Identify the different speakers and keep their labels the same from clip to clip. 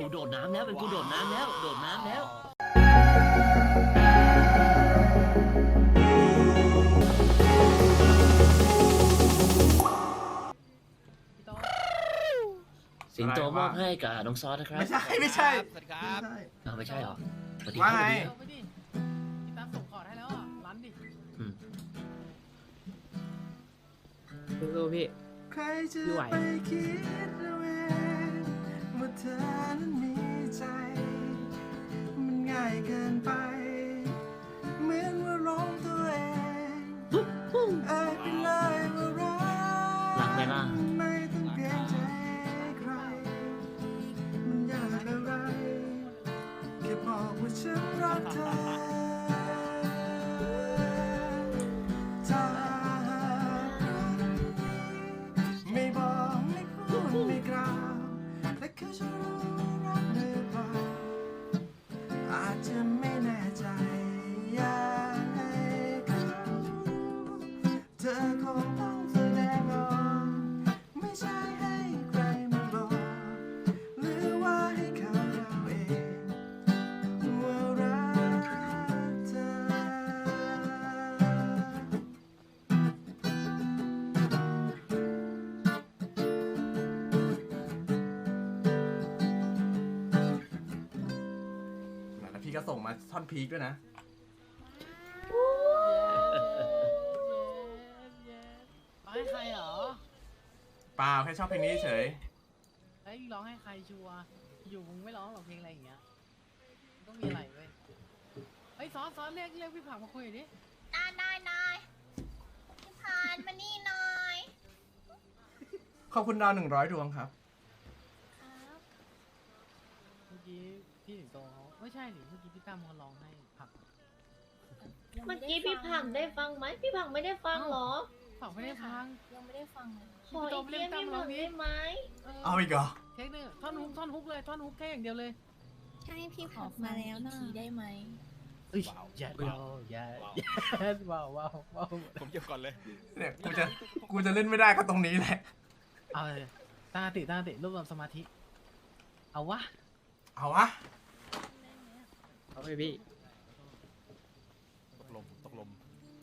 Speaker 1: โดดน้ำแล้วเป็นกูโดดน้ำแล้วโดดน้ำแล้วสิงโตมอบให้กับน้องซอสนะครับ
Speaker 2: ไม่ใช่ไม่ใช่
Speaker 3: สวัสดีครับ
Speaker 1: ไม่ใช่เหรอสวัสดี
Speaker 2: ว่า
Speaker 1: ครับ
Speaker 2: ไง
Speaker 4: เอาไปดิพี่ตั้มส่งคอร์ดให้แล้วอ่ะรันดิ
Speaker 5: สู้ๆพี่
Speaker 2: ใครจะ
Speaker 5: พี่ไหว
Speaker 2: ไปคิดเอาเองว่าเธอนั้นมีใจ มันง่ายเกินไป เหมือนว่าร้องตัวเองเอ่ยไปเลยว่ารั
Speaker 1: รักไหมล่ะ
Speaker 2: ไม่ต้องเกรงใจใคร มันยากอะไรแค่บอกว่าฉันรักเธอถ้าหากไม่บอกไม่พูดไม่กล่าวและเขาจะรู้รักหรือเปล่าอาจจะไม่แน่ใจอยากให้เขาเธอคงต้องแสดงออกไม่ใช่ให้ใครมาบอกหรือว่าให้เขาเดาเองว่ารักเธอ แล้วพี่ก็ส่งมาท่อนพีคด้วยนะ
Speaker 4: ร้องให้ใครเหรอ
Speaker 2: เปล่าแค่ชอบเพลงนี้เฉย
Speaker 4: เฮ้ยร้องให้ใครชัวร์อยู่มึงไม่ร้องหรอกเพลงอะไรอย่างเงี้ยมันต้องมีอะไรเว้ยเฮ้ยซ้อนเรียกพี่ผักมาคุยหน่อยดิ
Speaker 6: ได้พี่พานมานี่หน่อย
Speaker 2: ขอบคุณดาว100 ดวงครับ
Speaker 6: ครับ
Speaker 4: เมื่อกี้พี่สิงโตเขาไม่ใช่หนิเมื่อกี้พี่ตั้มเขาร้องให้ผัก
Speaker 7: เมื่อกี้พี่ผังได้ฟังไหมพี่ผังไม่ได้ฟังเหรอ
Speaker 4: ผักไม่ได้ฟัง
Speaker 6: ยังไม่ได้ฟังเลย
Speaker 7: ขออีกเทียพี่ผังได้ไหม
Speaker 2: เอาอีกเหรอ
Speaker 4: เทคนึงท่อนฮุกเลยท่อนฮุกแค่อย่างเดียวเลย
Speaker 6: ให้พี่ขอมาแล้วนะทีได้ไหม
Speaker 4: เอ้ยอย่าว้าว
Speaker 3: ผมเก็บก่อนเลย
Speaker 2: เนี่ยกูจะเล่นไม่ได้ก็ตรงนี้แหละ
Speaker 4: เอาเลยตั้งสติรวบรวมสมาธิเอาวะ
Speaker 2: เอาวะ
Speaker 5: เอาไปพี่
Speaker 3: ตกลม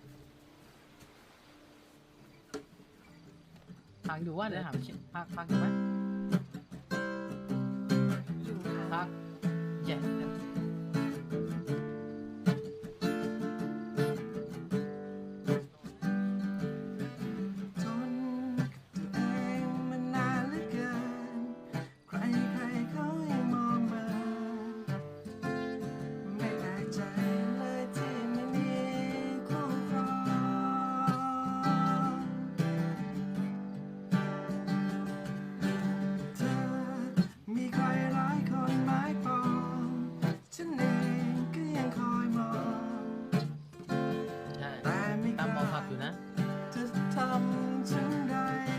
Speaker 4: ฟังดูว่าเดี๋ยวถามฟังอยู่ไหม
Speaker 6: อยู่
Speaker 4: พักแย่
Speaker 2: ทนกับตัวเองมานานเหลือเกิน ใครเขายังมองมาไม่แปลกใจเลยที่ไม่มีคู่ครองเธอมีใครหลายคนหมายปองฉันเองก็ยังคอยมอง
Speaker 4: ใช่
Speaker 2: แต่ไม่
Speaker 4: ตาม
Speaker 2: ก
Speaker 4: มอง
Speaker 2: ล้า
Speaker 4: ผักอยู่นะ
Speaker 2: จะทำฉันใด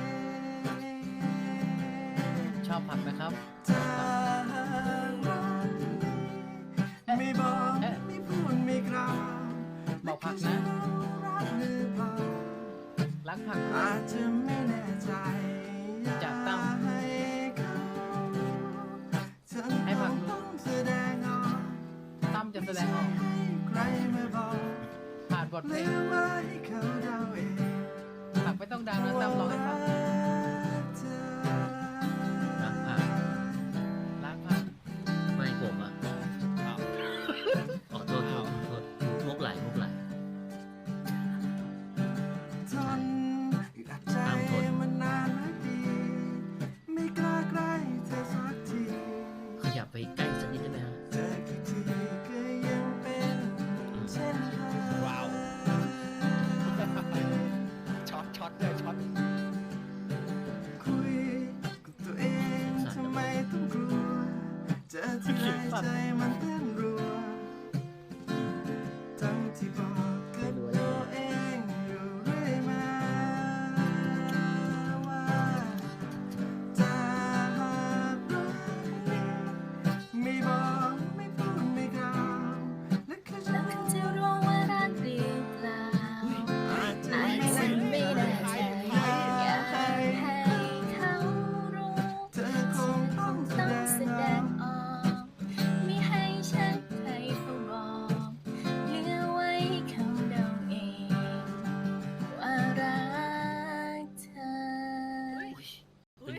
Speaker 4: ชอบผักนะครับ
Speaker 2: ถ้ารักไม่บอกไม่พูดไม่กล่าว
Speaker 4: บอกผักนะ
Speaker 2: รักหรือเปล่า
Speaker 4: รักผัก
Speaker 2: อาจจะไม่แน่ใจ
Speaker 4: จากตั้ม
Speaker 2: ให้เขาเธอ
Speaker 4: ให้ผักรู้
Speaker 2: ต้องแสดงออก
Speaker 4: ตั้มจะแสดงออก
Speaker 2: ให้ใครมาบอก
Speaker 4: ผ่านบท
Speaker 2: ห
Speaker 4: เพล
Speaker 2: รื
Speaker 4: ง
Speaker 2: อว่าให้เขาเดาเอง
Speaker 4: ผักไม่ต้องดังนะตั้มร้องให้ฟัง
Speaker 2: เธอ
Speaker 1: รักผัก
Speaker 4: รักผัก
Speaker 1: ไม่ผมอ่ะ
Speaker 3: อ้าว
Speaker 1: ขอโทษมุกไหล
Speaker 2: ทนอึดอัดใจ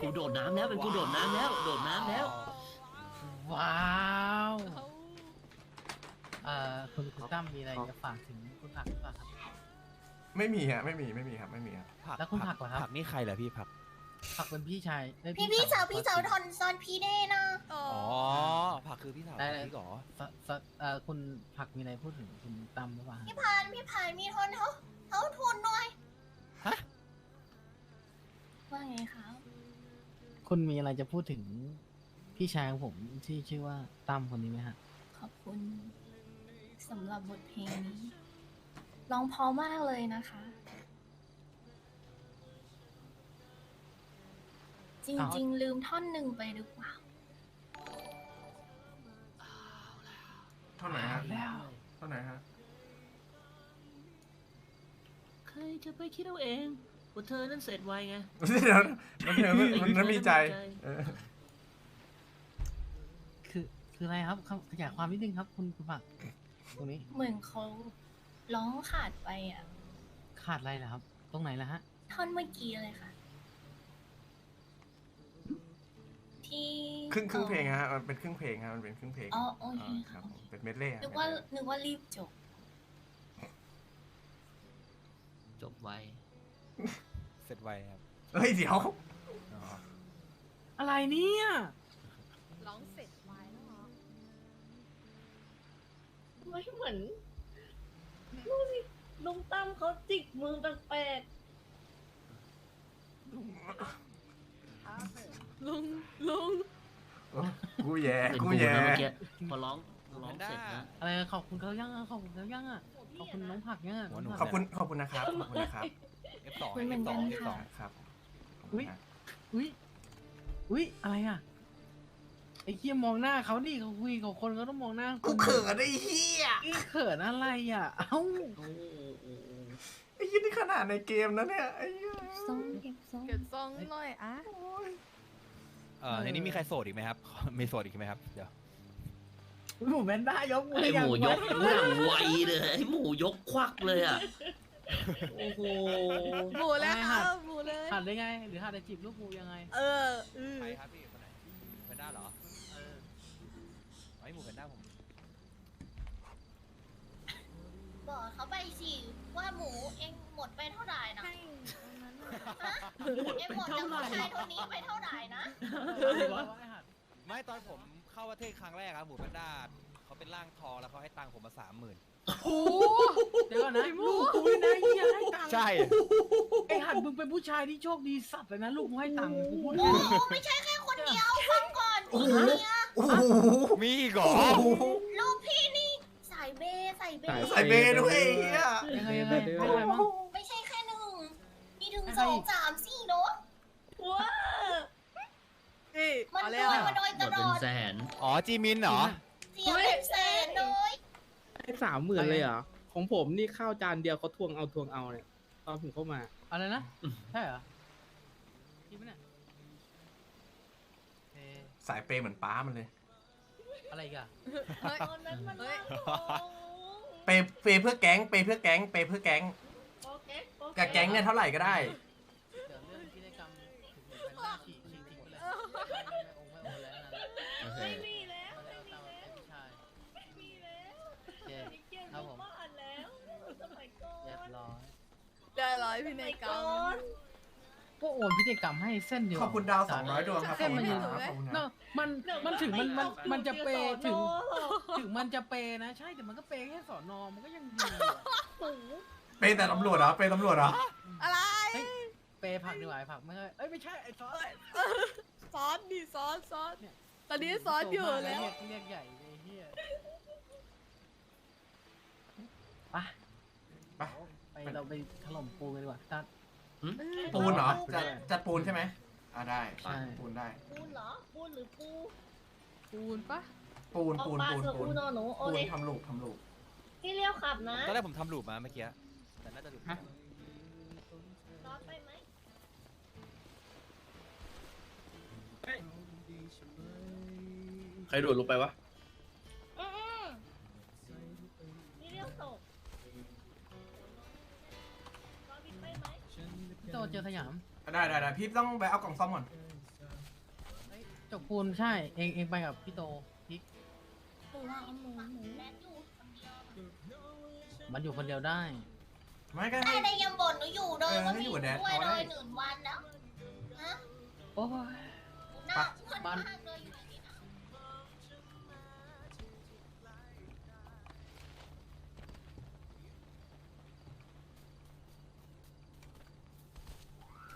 Speaker 1: กูโดดน้ำแล้วเป็นกูโดดน้ำแล้วโดดน้ำแล้ว
Speaker 4: ว้าวคุณตั้มมีอะไรจะฝากถึงคุณผักหรือเปล่าครับ
Speaker 2: ไม่มีฮะไม่มีครับไม่มีครับ
Speaker 3: ผัก
Speaker 4: แล้วคุณผักเหรอครับ
Speaker 3: ผักนี่ใครเหรอพี่ผัก
Speaker 4: ผักเป็นพี่ชายเอ้ย
Speaker 6: พี่สาวทอนซอนพี่เด้นะ
Speaker 3: อ๋อผักคือพี่สาว
Speaker 4: ได้
Speaker 3: พี่ก่อ
Speaker 4: คุณผักมีอะไรพูดถึงคุณตั้มหรือเปล่า
Speaker 6: พี่พานมีทอนเขาทุนหน่อย
Speaker 3: ฮะ
Speaker 6: ว่าไงคะ
Speaker 4: คุณมีอะไรจะพูดถึงพี่ชายของผมที่ชื่อว่าตั้มคนนี้ไหมฮะ
Speaker 6: ขอบคุณสำหรับบทเพลงนี้ร้องเพอมากเลยนะคะ จริงๆ ลืมท่อนหนึ่งไปหรือเปล่า
Speaker 2: เท่าไหร่ฮะ
Speaker 4: แล้ว
Speaker 2: เท่าไหร่ฮะ
Speaker 1: ใครจะไปคิดเอาเองว่าเธอนั้นเสร็จไวไง
Speaker 2: เดี๋ยวมันมีใจเออ
Speaker 4: คืออะไรครับขยายความนิดนึงครับ คุณผักตรงนี้
Speaker 6: เหมือนเขาร้องขาดไปอ่ะ
Speaker 4: ขาดอะไรเหรอครับ ตรงไหนล่ะฮะ
Speaker 6: ท่อนเมื่อกี้เลยค่ะ ที่
Speaker 2: ครึ่งเพลงฮะมันเป็นครึ่งเพลงฮะมันเป็นครึ่งเพลง
Speaker 6: อ๋อโอเค
Speaker 2: ครั
Speaker 6: ค่ะ
Speaker 2: บผมเป็นเมดเล่
Speaker 6: นึกว่ารีบจบ
Speaker 1: จบไว
Speaker 3: เสร็จไวครับ
Speaker 2: เฮ้ยเดี๋ยว
Speaker 3: อ๋อ
Speaker 4: อะไรเนี่ย
Speaker 8: ร้องเสร็จไว้แล้วเหรอ
Speaker 7: ไม่เหมือนดูสิลุงตั้มเขาจิกมือแปลก
Speaker 8: ลุง
Speaker 2: กูแย่
Speaker 1: เป็น
Speaker 2: กู
Speaker 1: กู
Speaker 2: แย่
Speaker 1: นะเมื่อกี้พอร้องเสร็จนะ
Speaker 4: อะไรขอบคุณเขายังอ่ะขอบคุณเขายังอ่ะขอบคุณน้องผักยังอ่ะน้งผัก
Speaker 2: ขอบคุณนะครับขอบคุณนะครับ
Speaker 3: F2
Speaker 6: คุยเหมือนกัน
Speaker 3: F2
Speaker 6: ค่ะ
Speaker 2: ครับขอบคุ
Speaker 4: อุ้
Speaker 2: ณ
Speaker 4: ย
Speaker 2: ฮะ
Speaker 4: อุ้ยอะไรอ่ะไอ้เหี้ยมองหน้าเขาดิเขาคุยกับคนเขาต้องมองหน้า
Speaker 2: กูเขินไอ้เหี้ย
Speaker 4: เขินอะไรอ่ะเอ้า
Speaker 2: ไอ้เหี้ยนี่ขนาดในเกมนะเนี่ยไอ้เหี้ย
Speaker 8: เก็บซองหน่อยอ่ะ
Speaker 3: ในนี้มีใครโสดอีกไหมครับ มีโสดอีกไหมครับเดี๋ยว
Speaker 4: หมูแมนด้ายกมื
Speaker 1: ไอ
Speaker 4: อ
Speaker 1: หมูยกหน้าไวเลยไอหมูยกควักเลยอ่ะโอ้โห
Speaker 8: หมูแล้วเอาหมูเลย
Speaker 4: หัดได้ไง หรือหัดจะจีบลูกหมูยังไง
Speaker 8: เออ
Speaker 3: ใครครับพี่คนไหนแพนด้าเหรอไอ้หมูแพนด้าผม
Speaker 6: บอกเขาไปสิว่าหมูเองหมดไปเท่าไหร่นะ
Speaker 8: ให้ตรงนั้นน่ะ
Speaker 6: เองหมดจากผู้ชายคนนี้ไปเท่าไหร่นะ
Speaker 3: ไม่ตอนผมเข้าประเทศครั้งแรกครับหมูแพนด้าเขาเป็นร่างทองแล้วเขาให้ตังค์ผมมา 30,000
Speaker 4: โอ้เดี๋ยวก่อนนะลูกกูนะเหี้ยให้ตังค์
Speaker 3: ใช่
Speaker 4: ไอ้หัดมึงเป็นผู้ชายที่โชคดีสัตว์เลยนะลูกกูให้ตังค์กูพูด
Speaker 6: โอ้
Speaker 4: ให้
Speaker 6: โหไม่ใช่แค่คนเดียวฟังก่อนพี่เนี่ย
Speaker 2: โอ้โห
Speaker 3: มีอีกเหรอ
Speaker 6: ลูกพี่นี่สายเบย์ใส่เบย์
Speaker 2: ใส่เบย์ด้วยไอ้เหี้ย
Speaker 4: ยังไงให้ใครมั้ง
Speaker 6: ไม่ใช่แค่หนึ่งมีถึง2 3 4เนาะ
Speaker 7: ๆว้า
Speaker 8: นี่
Speaker 6: มัน
Speaker 8: เอา
Speaker 6: โด
Speaker 8: แล้ว
Speaker 6: ยมาโดย
Speaker 1: หม
Speaker 6: ต
Speaker 1: ด
Speaker 6: ล
Speaker 1: เป็
Speaker 6: อน ด
Speaker 1: แสน
Speaker 3: อ๋อจีมินเหรอ
Speaker 6: เสียเป็นแสนเลย
Speaker 5: ให้30,000เลยเหรอ ของผมนี่ข้าวจานเดียวเขาทวงเอาเนี่ยตอนผมเข้ามา
Speaker 4: อะไรนะใช่เหรอจริงไหมเนี่ยเอ๊ะ
Speaker 2: สายเปย์เหมือนป้ามันเลย
Speaker 4: อะไรอีกัน
Speaker 8: เฮ้ย
Speaker 7: ตอนนั้นมัน
Speaker 8: เฮ้ย
Speaker 7: น่าโกง
Speaker 2: เปย์เพื่อแก๊งเปย์เพื่อแก๊งเปย์เพื่อแก๊ง
Speaker 7: โอเคโอเค
Speaker 2: กับแก๊งเนี่ยเท่าไหร่ก็ได้
Speaker 4: เดี๋ยวเรื่องพิธีกรรมถึงหมูเป็นหน้าฉีกทิ้งไปเลยไม่โอนแล้วนะ
Speaker 1: โอเค
Speaker 7: ไม่มีแล้ว
Speaker 4: เขาจะเอาตามเป็นผู้ชาย
Speaker 7: ไม่มีแล้ว
Speaker 4: โอเค
Speaker 7: นี่เกลียด
Speaker 4: ครับผม
Speaker 7: ลูกบ้านแล้วสมัยก่อน
Speaker 4: เรียบร้อย
Speaker 8: ได้ร้อยพี่
Speaker 7: ส
Speaker 8: ใน
Speaker 7: มัย
Speaker 8: กร
Speaker 7: ก่
Speaker 8: ร
Speaker 7: อ
Speaker 8: ม
Speaker 7: น
Speaker 4: ก็โอนพิธีกรรมให้เส้นเดียว
Speaker 2: ขอบคุณดาว200ดวงครับ
Speaker 4: เส้นมันอยู่
Speaker 2: ขอบคุณครับ
Speaker 4: เนอะมันถึงมันจะเปย์ถึง ถึงมันจะเปย์นะใช่แต่มันก็เปย์แค่สอนอมันก็ยังดีอะ
Speaker 2: เปย์แต่ตำรวจเหรอเปย์ตำรวจเหรอ
Speaker 8: อะไร
Speaker 4: เฮ้ยเปย์ผักดีกว่าไอ้ผักไม่ใช่เอ้ยไม่ใช่ไอ้ซอส
Speaker 8: ซอสดิซอสตอนนี้ซอสอยู่แล้ว
Speaker 4: เรียกใหญ่ไอ้เหี้ยไป
Speaker 2: ไป
Speaker 4: ไปเราไปถล่มปูกันดีกว่าตัด
Speaker 2: ปูนเหรอจะปูนใช่ไหมได้
Speaker 4: ใช่
Speaker 2: ปูนได้
Speaker 7: ปูนเหรอ ปูนหรือปู
Speaker 8: ปูนปะ
Speaker 2: ปูน
Speaker 7: เอา
Speaker 2: ปูน
Speaker 7: ปลา
Speaker 2: ปูน
Speaker 7: เสือ
Speaker 2: ปู
Speaker 7: อู
Speaker 2: น
Speaker 7: นอหนูโอ
Speaker 2: ปูน
Speaker 7: เค
Speaker 2: ทำลูกทำลูก
Speaker 7: พี่เลี้ยวขับนะ
Speaker 3: ตอนแรกผมทำลูปมาเมื่อกี้แต่น่าจะหลุด
Speaker 5: ฮะ
Speaker 7: รอดไปไหม
Speaker 9: ใครโดดลงไปวะ
Speaker 7: อืมพี่เลี้ยวตกรอพี่ไปไหม
Speaker 4: พี่โตเจอสยาม
Speaker 2: ได้พี่ต้องไปเอากล่องซ่อมก่อน
Speaker 4: จกปูนใช่ เองไปกับพี่โตพิก
Speaker 6: หรือว่าเอาหมู
Speaker 4: มันอยู่คนเดียวได้
Speaker 2: ไม่ก็
Speaker 6: ได้
Speaker 2: ให้
Speaker 6: ได้ยังบ่นหนูอยู่เลยว่า
Speaker 2: ให้
Speaker 6: มี
Speaker 2: อยู่
Speaker 6: หนู
Speaker 2: กับแดด
Speaker 6: ด้วย
Speaker 2: เขา
Speaker 6: เล
Speaker 2: ได้
Speaker 6: ย1 วันแล้วฮะ
Speaker 4: โอ้ย
Speaker 6: หน้าอ้วน
Speaker 4: บ้าน
Speaker 6: มากเลย